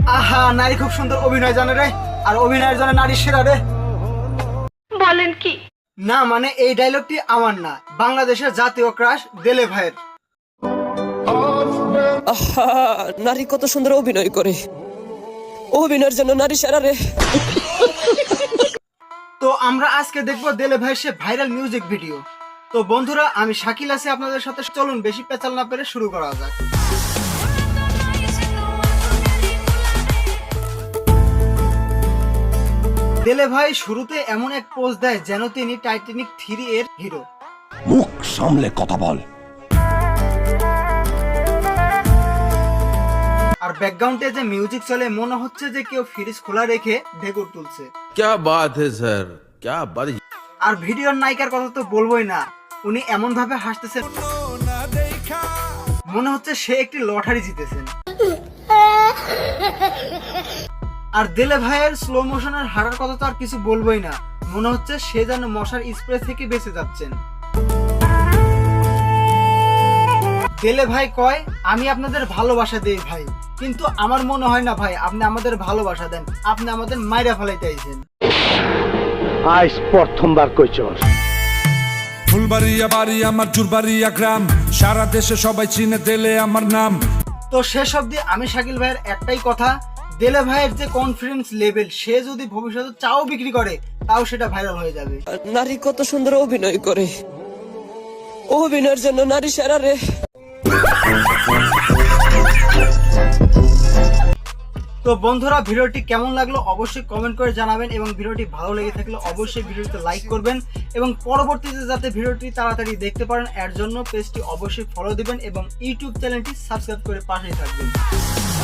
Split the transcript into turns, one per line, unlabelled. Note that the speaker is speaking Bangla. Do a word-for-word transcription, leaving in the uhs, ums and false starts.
আহা, নারী খুব সুন্দর অভিনয় জানে রে, আর অভিনয়ের জন্য নারী সেরা রে।
বলেন কি?
না মানে এই ডায়লগটি আমার না, বাংলাদেশের জাতীয় ক্রাশ দেলে ভাইয়ের।
আহা, নারী কত সুন্দর অভিনয় করে, অভিনয়ের জন্য নারী সেরা রে।
তো আমরা আজকে দেখবো দেলে ভাইয়ের সে ভাইরাল মিউজিক ভিডিও। তো বন্ধুরা, আমি শাকিল আছি আপনাদের সাথে, চলুন বেশি পেঁচাল না পেরে শুরু করা যাক। দেলে ভাই শুরুতে এমন এক পোজ দেয় যেন তিনি টাইটানিক থ্রি এর হিরো।
মুখ সামলে কথা বল।
আর ব্যাকগ্রাউন্ডে যে মিউজিক চলে মনে হচ্ছে যে কেউ ফ্রিজ খোলা রেখে ঢেকুর তুলছে।
क्या बात है सर, क्या बात है।
আর ভিডিওর নায়িকার কথা তো বলবোই না, উনি এমন ভাবে হাসতেছেন মনে হচ্ছে সে একটি লটারি জিতেছেন। আর দেলে ভাইয়ের স্লো মোশনের হাঁটার কথা তো আর কিছু বলবোই না, মনে হচ্ছে সে যেন মশার স্প্রে থেকে বেঁচে যাচ্ছেন। দেলে ভাই কয়, আমি আপনাদের ভালোবাসা দেই ভাই, কিন্তু আমার মনে হয় না ভাই আপনি আমাদের ভালোবাসা দেন, আপনি আমাদের মাইরা ফেলাইতে আইছেন।
আজ প্রথমবার কইছস।
ফুলবাড়িয়া বাড়ি আমার, জুরবাড়িয়া গ্রাম, সারা দেশে সবাই চিনে দেলে আমার নাম।
তো শেষ অবধি আমি শাকিল ভাইয়ের একটাই কথা, দেলে ভাইয়ের যে কনফিডেন্স লেভেল, সে যদি ভবিষ্যতে চাও বিক্রি করে তাও সেটা ভাইরাল হয়ে যাবে।
নারী কত সুন্দর অভিনয় করে, অভিনয়ের জন্য নারী সেরা রে।
তো বন্ধুরা, ভিডিওটি কেমন লাগলো অবশ্যই কমেন্ট করে জানাবেন, এবং ভিডিওটি ভালো লেগে থাকলে অবশ্যই ভিডিওতে লাইক করবেন, এবং পরবর্তীতে যাতে ভিডিওটি তাড়াতাড়ি দেখতে পারেন এর জন্য পেজটি অবশ্যই ফলো দিবেন এবং ইউটিউব চ্যানেলটি সাবস্ক্রাইব করে পাশেই থাকবেন।